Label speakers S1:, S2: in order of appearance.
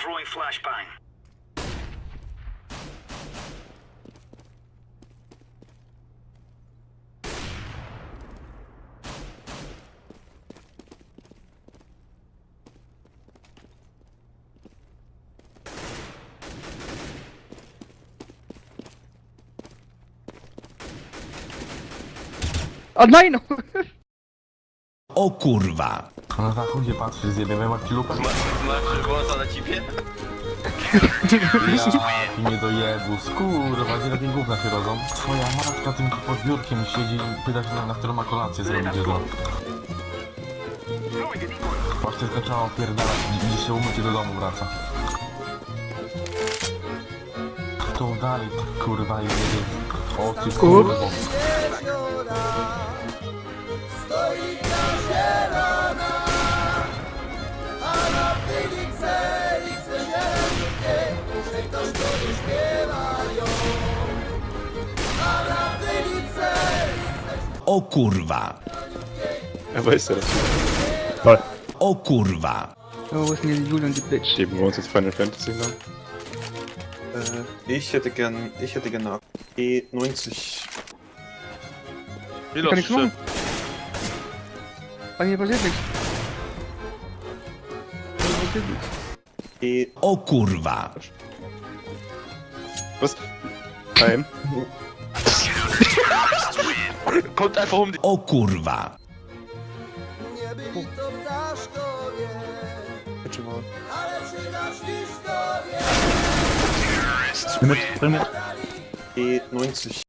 S1: Throwing flashbang.
S2: A nine!
S3: O kurwa!
S4: Na zachodzie patrzy, zjebiemy Marcilupę.
S5: Masz wąsa na cipie?
S4: Ja nie dojebu, skurwa, gdzie takie gówna się rodzą. Twoja matka tym pod biurkiem siedzi i pyta się na którą ma kolację zrobić jedno. Właśnie zaczęła opierdalać, dziś się umyć i do domu wraca. Kto dalej, kurwa, jedzie? O ty kurwa.
S3: O kurwa!
S6: Er weiß ja das.
S3: O kurwa!
S2: Oh, wo ist denn die Julian, die Bitch?
S6: Schieben wir uns jetzt Final Fantasy noch?
S7: Ich hätte gern eine E90.
S2: Ich kann nichts machen. Bei mir passiert nichts. Bei mir passiert nichts.
S7: E
S3: O kurwa!
S6: Was? Nein.
S5: Kommt einfach um die...
S3: O kurwa!
S7: Zatrzymałem. E90.